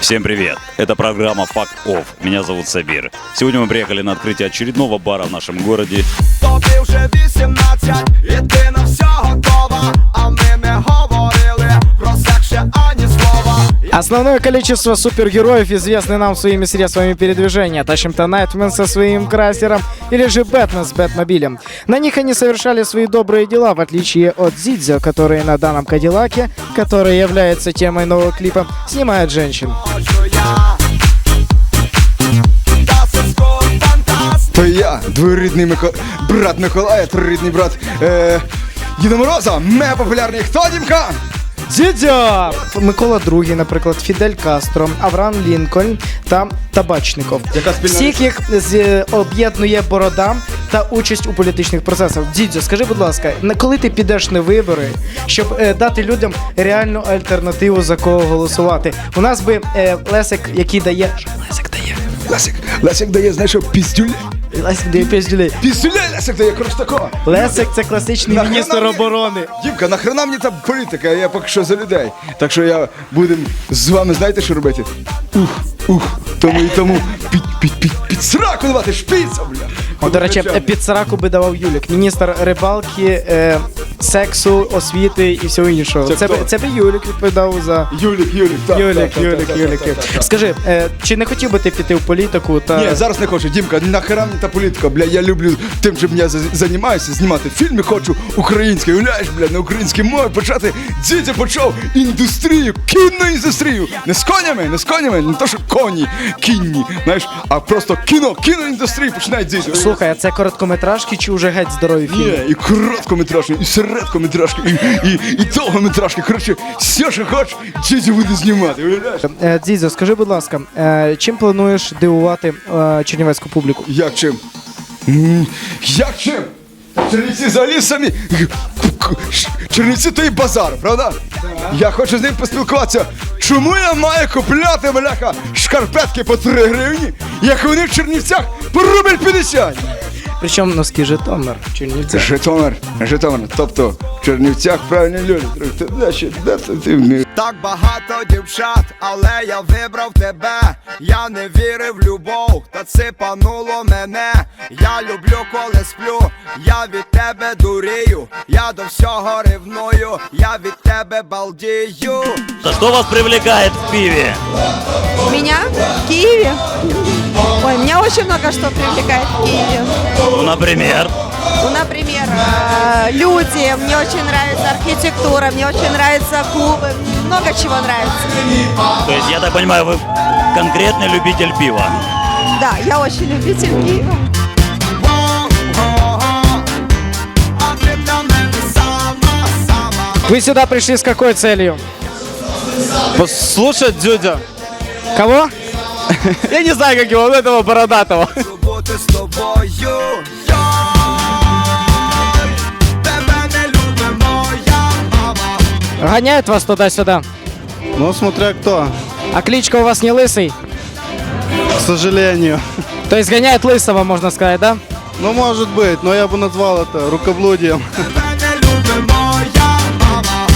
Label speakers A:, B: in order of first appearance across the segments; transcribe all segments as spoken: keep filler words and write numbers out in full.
A: Всем привет! Это программа Fuck Off. Меня зовут Сабир. Сегодня мы приехали на открытие очередного бара в нашем городе.
B: Тобі вже вісімнадцять, і ти на все готова, а ми не говорили про секс ще ані слова.
C: Основное количество супергероев известны нам своими средствами передвижения. Тащим-то Найтмен со своим красером или же Бэтмен с Бэтмобилем. На них они совершали свои добрые дела, в отличие от Дзидзо, которые на данном Кадиллаке, который является темой нового клипа, снимают женщин.
D: То я, двоюрідний Мико... брат Миколая, троюрідний брат е... Діда Мороза, мега популярний. Хто, Дімка?
C: Дзідзьо! Микола Другий, наприклад, Фідель Кастро, Авраам Лінкольн та Табачников.
D: Яка спільна
C: Всіх їх з- об'єднує борода та участь у політичних процесах. Дідзьо, скажи, будь ласка, на коли ти підеш на вибори, щоб е, дати людям реальну альтернативу, за кого голосувати? У нас би е, Лесик, який дає... Що Лесик дає?
D: Лесик, Лесик дає, знаєш що, піздюлей.
C: Лесик дає п'ять.
D: Піздюлей Лесик дає, коротше такого.
C: Лесик – це класичний
D: Нахрена
C: міністр
D: мені-
C: оборони.
D: Дімка, нахрена мені та політика, я поки що за людей. Так що я будем з вами, знаєте, що робити? Ух, ух, тому і тому під, під, під, під сраку давати шпіца, бля.
C: О, до речі, під сраку би давав Юлік, міністр рибалки, е, сексу, освіти і всього іншого.
D: Це
C: Це,
D: хто?
C: би, це би Юлік відповідав за...
D: Юлік, Юлік, так.
C: Юлік,
D: так, так,
C: Юлік,
D: так,
C: Юлік.
D: так, так, так.
C: Скажи, е, чи не хотів би ти піти в політику та...
D: Ні, зараз не хочу. Дімка, нахера мені та політика, бля, я люблю тим, чим я за- займаюся, знімати фільми хочу українські, уявляєш, бля, на українській мові почати. Дідя почав індустрію, кінну індустрію. Не з конями, не з конями, не то, що коні, кінні, знаєш, а просто кіно, кіноіндустрію починає дідя.
C: Слухай, а це короткометражки чи вже геть здорові фільми?
D: Ні, і короткометражки, і середкометражки, і, і, і довгометражки. Коротше, все, що хочеш, дідя буде знімати, уявляєш?
C: Е, Дзідзьо, скажи, будь ласка, е, чим плануєш дивувати е, чернівецьку публіку?
D: Як чим? М, Як чим? Чернівці взагалі самі. Чернівці то і базар, правда? Я хочу з ним поспілкуватися. Чому я маю купляти, бляха, шкарпетки по три гривні, як вони в Чернівцях по рубль п'ятдесят?
C: Причому носки Житомир, Чернівці.
D: Житомир, Житомир, тобто в Чернівцях правильні люди. Ти де ще, де ти, ти вмієш?
B: Так багато дівчат, але я вибрав тебе. Я не вірив в любов, та ципануло мене. Я люблю, коли сплю, я від тебе дурію. Я до всього ревную, я від тебе балдію.
A: Да что вас привлекает в пиве?
E: Меня в Киеве? Ой, меня очень много что привлекает в Киеве.
A: Ну, например.
E: Ну, например, э, люди, мне очень нравится архитектура, мне очень нравятся клубы, много чего нравится.
A: То есть, я так понимаю, вы конкретный любитель пива.
E: Да, я очень любитель Киева.
B: А ти для мене сама, сама.
C: Вы сюда пришли с какой целью?
F: Послушать Дзюдя.
C: Кого?
F: Я не знаю, как его, но этого бородатого.
B: Хочу бути з тобою. Йой, тебе не любить моя мама.
C: Гоняют вас туда-сюда.
F: Ну, смотря кто,
C: А кличка у вас не Лысый?
F: к сожалению.
C: То есть гоняет Лысого, можно сказать, да?
F: Ну, может быть, но я бы назвал это рукоблудием.
B: Тебе не любить моя мама.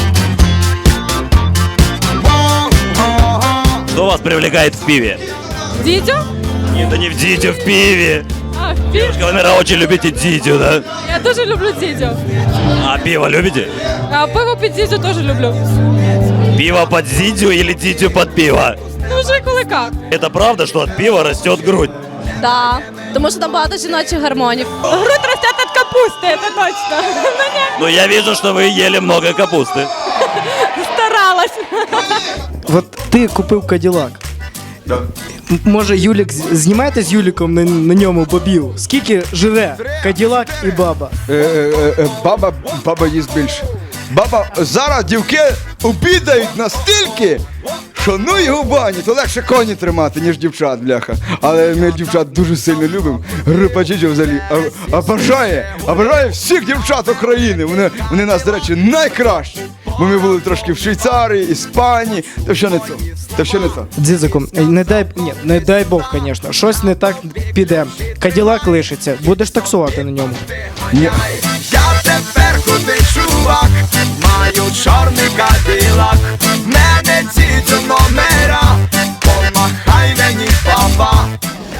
B: Воу-го-го.
A: Что вас привлекает в пиве?
G: Дидю?
A: Нет, да не в Дидю, в пиве.
G: А, пиво.
A: Девушка, вы, наверное, очень любите Дидю, да?
G: Я тоже люблю Дидю.
A: А пиво любите?
G: А пиво під Дидю тоже люблю.
A: Пиво под Дидю или Дидю под пиво?
G: Ну, вже коли як.
A: Это правда, что от пива растет грудь?
G: Да, тому що там багато жіночих гормонів. Грудь росте від капусти, це точно.
A: Ну, я вижу, что вы ели много капусты.
G: Старалась.
C: Вот ти купив Каділак. М- Може, Юлік з- знімаєте з Юліком на, на ньому бобів? Скільки живе Каділак і баба?
D: Е, е, е, баба, баба їсть більше. Баба, зараз дівки обідають настільки, що ну його в бані, то легше коні тримати, ніж дівчат, бляха. Але ми дівчат дуже сильно любимо. Група Джиджо взагалі а- обожає, обожає всіх дівчат України. Вони, вони нас, до речі, найкращі. Бо ми були трошки в Швейцарії, Іспанії, то що не то, то що не то.
C: Дзизику, не дай, ні, не дай Бог, звісно, щось не так піде. Каділак лишиться, будеш таксувати на ньому.
D: Ні.
B: Я тепер худий чувак, маю чорний кадилак, в мене ці номера,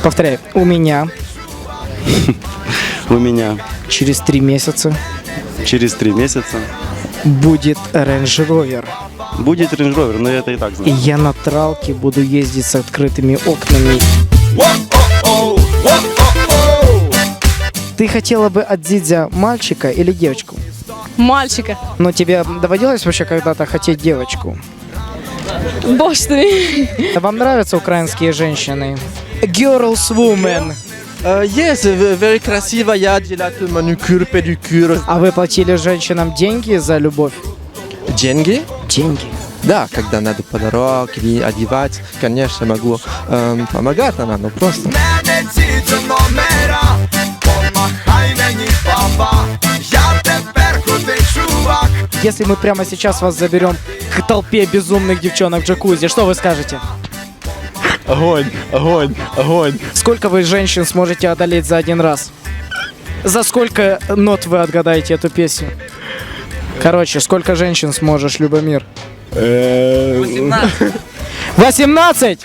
C: Повторяй. У меня
F: У меня
C: через три месяца
F: через три месяца
C: будет Range Rover.
F: будет Range Rover, но я это и так
C: И
F: знаю.
C: я на тралке буду ездить с открытыми окнами.
B: Воу-о-оу, воу-о-оу.
C: Ты хотела бы от Дзидзя мальчика или девочку?
G: Мальчика.
C: Но тебе доводилось вообще когда-то хотеть девочку?
G: Боже ты.
C: Вам нравятся украинские женщины? Girls, women.
H: Uh, yes, v- very красиво, я делаю маникюр, педикюр.
C: А вы платили женщинам деньги за любовь?
H: Деньги?
C: Деньги.
H: Да, когда надо подарок или одевать, конечно, могу эм, помогать она, но просто.
B: Мене ці номера, помахай мені, папа. Я тепер крутий чувак.
C: Если мы прямо сейчас вас заберем к толпе безумных девчонок в джакузи, что вы скажете?
H: Огонь, огонь, огонь.
C: Сколько вы женщин сможете одолеть за один раз? За сколько нот вы отгадаете эту песню? Короче, сколько женщин сможешь, Любомир? восемнадцать. восемнадцать?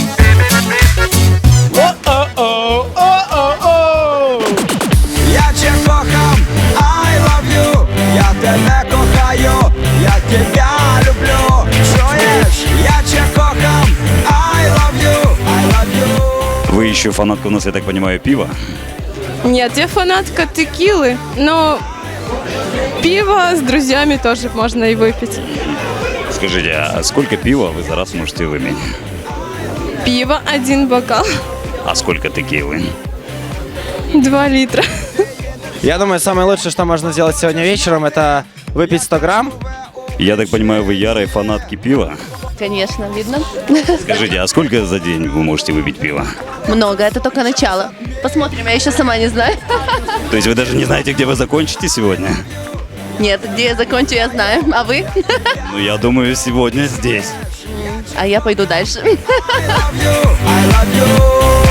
B: Я тебе кохам, I love you. Я тебе кохаю, я тебя люблю. Чуєш? Я тебе кохам, I love you, I love you.
A: Вы еще фанатка у нас, я так понимаю, пива?
G: Нет, я фанатка текилы, но пиво с друзьями тоже можно и выпить.
A: Скажите, а сколько пива вы за раз можете выпить?
G: Пиво один бокал,
A: А сколько текилы?
G: два литра.
I: Я думаю, самое лучшее, что можно сделать сегодня вечером, это выпить сто грамм.
A: Я так понимаю, вы ярые фанатки пива?
J: Конечно, видно.
A: Скажите, а сколько за день вы можете выпить пива?
J: Много, это только начало. Посмотрим, я еще сама не знаю.
A: То есть вы даже не знаете, где вы закончите сегодня?
J: Нет, где я закончу, я знаю. А вы?
A: Ну, я думаю, сегодня здесь.
J: А я пойду дальше.
B: I love you.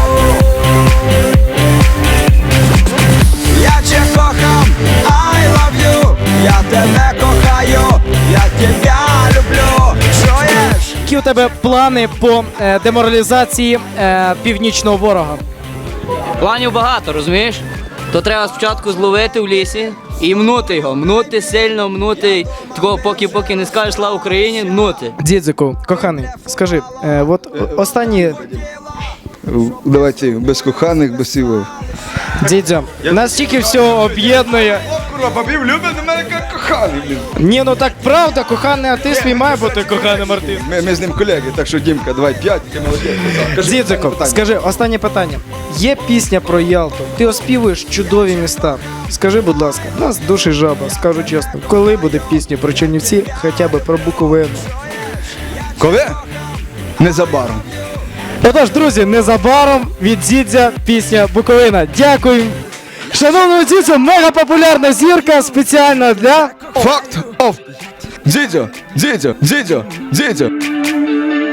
B: Я тебе кохам, I love you. Я тебе кохаю, я тебя люблю. Чуєш?
C: Які у тебе плани по е, деморалізації е, північного ворога?
K: Планів багато, розумієш? То треба спочатку зловити в лісі і мнути його. Мнути сильно, мнути. Такого поки поки не скажеш слава Україні, мнути.
C: Дідзику, коханий, скажи, е, от о- останні
D: Давайте без коханих, без сівов.
C: Дідзя, нас тільки все об'єднує.
D: Курва, бабів любить до мене як коханий, блін.
C: Ні, ну так правда, коханий артист мій має бути коханим артистом.
D: Ми, ми з ним колеги, так що, Дімка, давай п'ять, ти молодець. Кажи,
C: Дідзику,
D: питання.
C: скажи, останнє питання. Є пісня про Ялту, ти оспівуєш чудові міста. Скажи, будь ласка, нас душі жаба, скажу чесно, коли буде пісня про Чернівці, хоча б про Буковину?
D: Коли? Незабаром.
C: Отож, друзі, незабаром від Дідзя пісня Буковина. Дякую. Шановному Дідзю, мега популярна зірка спеціально для...
D: Факт оф. Дідьо, дідьо, дідьо, дідьо.